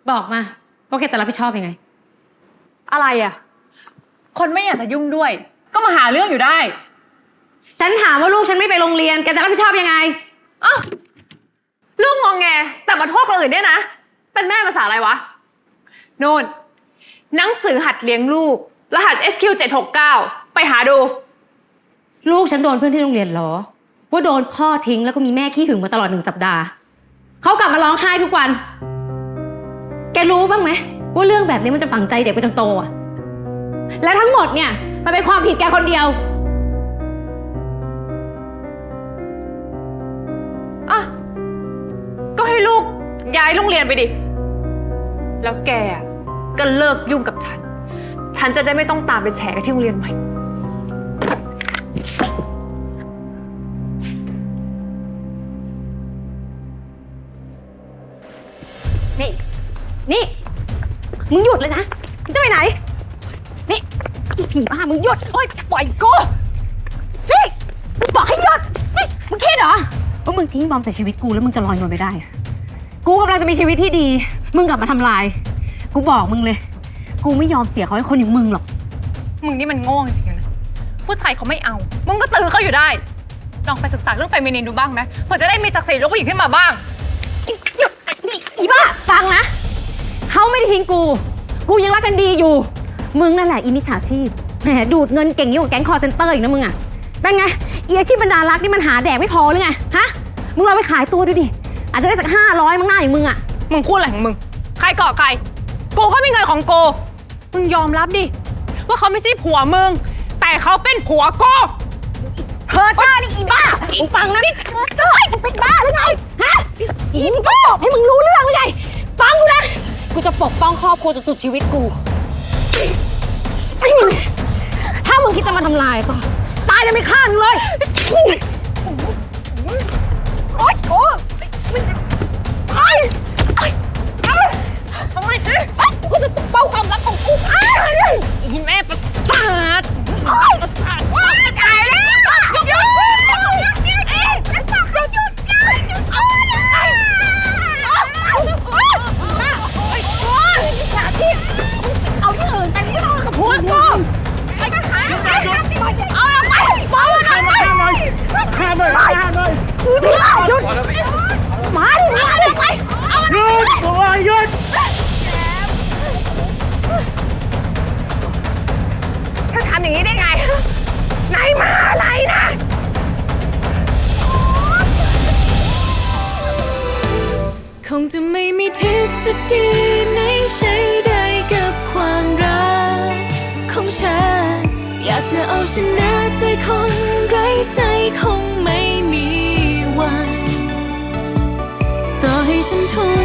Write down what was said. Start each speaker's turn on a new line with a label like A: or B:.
A: บอกมาว่าแกจะรับผิดชอบยังไง
B: อะไรอ่ะคนไม่อยากจะยุ่งด้วยก็มาหาเรื่องอยู่ได้
A: ฉันถามว่าลูกฉันไม่ไปโรงเรียนแกจะรับผิดชอบยังไง
B: อ้าวลูกงองแงแต่มาโทษคนอื่นเนี่ยนะเป็นแม่ภาษาอะไรวะโน่นหนังสือหัดเลี้ยงลูกรหัส SQ769 ไปหาดู
A: ลูกฉันโดนเพื่อนที่โรงเรียนล้อว่าโดนพ่อทิ้งแล้วก็มีแม่ขี้หึงมาตลอด1 สัปดาห์เขากลับมาร้องไห้ทุกวันแกรู้บ้างไหมว่าเรื่องแบบนี้มันจะฝังใจเด็กไปจนโตอ่ะและทั้งหมดเนี่ยมันเป็นความผิดแกคนเดียว
B: อ่ะก็ให้ลูกย้ายโรงเรียนไปดิแล้วแกก็เลิกยุ่งกับฉันจะได้ไม่ต้องตามไปแฉกันที่โรงเรียนใหม่
A: นี่มึงหยุดเลยนะมึงจะไปไหนนี่อีผีบ้ามึงหยุดโอ๊ยปล่อยกูสิมึงบอกให้หยุดนี่มึงคิดเหรอว่ามึงทิ้งบอมใส่ชีวิตกูแล้วมึงจะลอยนวลไปได้กูกำลังจะมีชีวิตที่ดีมึงกลับมาทำลายกูบอกมึงเลยกูไม่ยอมเสียเขาให้คนอย่างมึงหรอก
B: มึงนี่มันโง่จริงๆนะผู้ชายเขาไม่เอามึงก็ตื้อเขาอยู่ได้ลองไปศึกษาเรื่องเฟมินินดูบ้างไหมเพื่อจะได้มีศักดิ์ศรีลูกผู้หญิงขึ้นมาบ้าง
A: หยุดนี่อีบ้าฟังนะเขาไม่ได้ทิ้งกูยังรักกันดีอยู่มึงนั่นแหละอีมิจฉาชีพแหมดูดเงินเก่งยิ่งกว่าแก๊งคอร์เซ็นเตอร์อีกนะมึงอ่ะเป็นไงอีอาชีพบรรดารักนี่มันหาแดกไม่พอหรือไงฮะมึงลองไปขายตัวดูดิอาจจะได้สัก500มั้งหน้าอย่างมึงอ่ะ
B: มึงพูดอะไรของมึงใครก่อใครกูก็มีเงินของกูมึงยอมรับดิว่าเขาไม่ใช่ผัวมึงแต่เขาเป็นผัวกู
A: เธอจ้านี่อีบ้าฟังนะนี่เฮ้ยมึงเป็นบ้าหรือไงฮะอีนี่ก็บอกให้มึงรู้เรื่องหรือไงฟังกูนะกูจะปกป้องครอบครัวจนสุดชีวิตกูถ้ามึงคิดจะมาทำลายก็ตายจะไม่ฆ่ามึงเลยโอ๊ยโอ้ยทำไมกูจะปกป้องความรักของกู
B: อีแม่ประสาท
A: ว้าตายแล้วหยุดเอาที่อื่นแต่นี่เรากับพวกกูไปกันหาเอาไปบอกว่าห้ามเลยหยุดมาดิไปเอาหยุดตัวหยุดถ้าทำอย่างนี้ได้ไงไหนมาอะไรนะ
C: คงจะไม่มีทฤษฎีไหนใช้ได้กับความรักของฉันอยากจะเอาชนะใจคนไร้ใจคงไม่มีวันต่อให้ฉันทุ่ม